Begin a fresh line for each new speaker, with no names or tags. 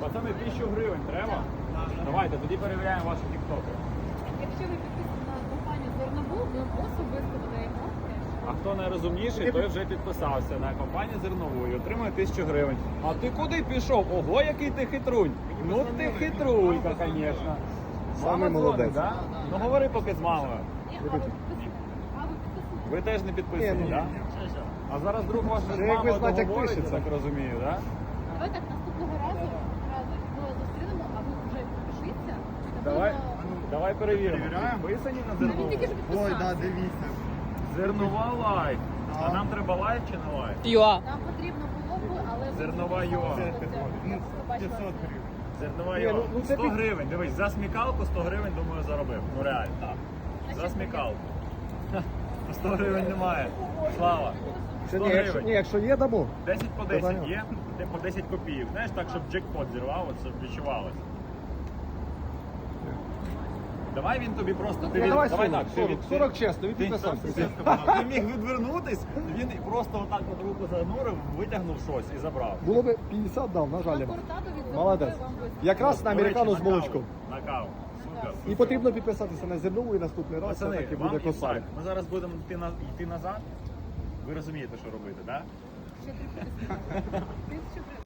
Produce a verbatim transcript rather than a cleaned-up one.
Пацани, тисячу гривень треба? Давайте, тоді перевіряємо ваші тіктоки.
Якщо ви підписані на компанію Зернобул, ви особисто додаємо теж.
А хто найрозумніший, той вже підписався на компанію Зернову і отримує тисячу гривень. А ти куди пішов? Ого, який ти хитрунь! Ну ти хитрулька, звісно.
Самий молодець.
Да? Ну говори поки з мамою.
Ні, а ви підписані? А ви підписані?
Ви теж не підписані,
Ні,
так?
ну,
А зараз друг ваш з
Це як ви
мамою
знаєте, як
договориться,
пишеться.
так розумію, так?
Давай так наступного разу, разу ми зустрінемо, а ви вже підпишіться.
Давай,
Напевно,
давай перевіримо.
Перевіряємо?
Підписані на
Та він
Зернову?
тільки ж
Ой, да,
підписався.
дивіться.
Зернова лайк. А
Так.
нам треба лайк чи не лайк?
Нам потрібно було б, але ви
Зернова
підписалися
юа.
до цього.
Ну,
Я побачила
п'ятсот
це.
гривень.
Зернова
Ні,
його.
ну, ну, це
сто
під-
гривень, дивись, за смікалку сто гривень, думаю, заробив. Ну реально, так. За смікалку. Ха, сто гривень немає. Слава.
Це
сто
ні, якщо,
гривень.
ні, якщо є, дамо.
десять по десять
Питання.
є, де по десять копійок. Знаєш, так, щоб джекпот зірвав, от, щоб відчувалося. Давай він тобі просто... Ти
Ну,
від-
давай
давай
сорок,
так, ти
сорок,
від-
сорок чесно, він
Ти,
підписався.
ти міг відвернутись, він просто отак от руку занурив, витягнув щось і забрав.
Було би п'ятдесят дав, на жаль.
На куртаду від Зернової
Молодець.
вам вистачить.
Якраз на
До речі,
американу з
на каву.
молочком.
На каву. Супер.
І потрібно підписатися на зернову і наступний раз
Пацани,
все-таки
вам
буде косарик.
інсайт. Ми зараз будемо йти, на, йти назад. Ви розумієте, що робити, так? Да?
Ще три підписи. Тисячу гривень.